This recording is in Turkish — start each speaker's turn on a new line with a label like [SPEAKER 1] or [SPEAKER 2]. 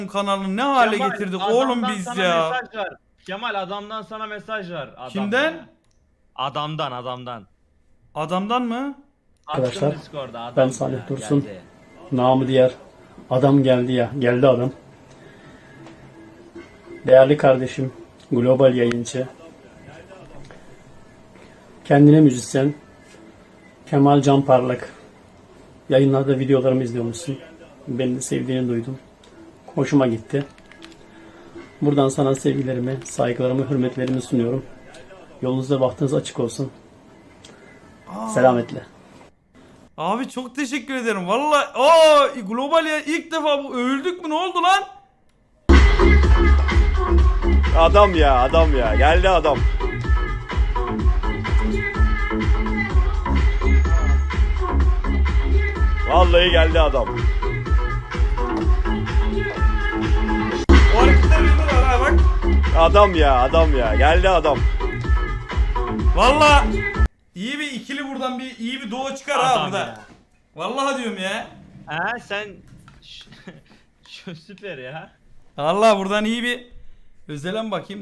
[SPEAKER 1] kanalını ne hale
[SPEAKER 2] Kemal,
[SPEAKER 1] getirdik oğlum
[SPEAKER 2] adamdan
[SPEAKER 1] biz
[SPEAKER 2] sana
[SPEAKER 1] ya.
[SPEAKER 2] mesaj var. Kemal adamdan sana mesaj var. Adamdan
[SPEAKER 1] Kimden?
[SPEAKER 2] ya. Adamdan.
[SPEAKER 1] Adamdan mı?
[SPEAKER 2] Attım
[SPEAKER 3] Arkadaşlar,
[SPEAKER 2] Discord'a adam
[SPEAKER 3] ben
[SPEAKER 2] ya,
[SPEAKER 3] Salih Dursun.
[SPEAKER 2] geldi.
[SPEAKER 3] Namı diğer adam geldi ya. Geldi adam. Değerli kardeşim, global yayıncı, kendine müzisyen Kemal Can Parlak. Yayınlarda videolarımı izliyormuşsun. Beni de sevdiğini duydum. Hoşuma gitti. Buradan sana sevgilerimi, saygılarımı, hürmetlerimi sunuyorum. Yolunuzda bahtınız açık olsun. Selametle.
[SPEAKER 1] Abi çok teşekkür ederim. Vallahi aa global ya ilk defa bu öldük mü ne oldu lan?
[SPEAKER 4] Adam ya geldi adam. Vallahi geldi adam.
[SPEAKER 1] O hareketler yapıyorlar ha bak.
[SPEAKER 4] Adam ya geldi adam.
[SPEAKER 1] Vallahi iyi bir ikili buradan bir iyi bir duo çıkar ha
[SPEAKER 2] Adam
[SPEAKER 1] burada.
[SPEAKER 2] ya.
[SPEAKER 1] Vallahi diyorum ya.
[SPEAKER 2] Ha sen süper ya.
[SPEAKER 1] Allah buradan iyi bir özelen bakayım.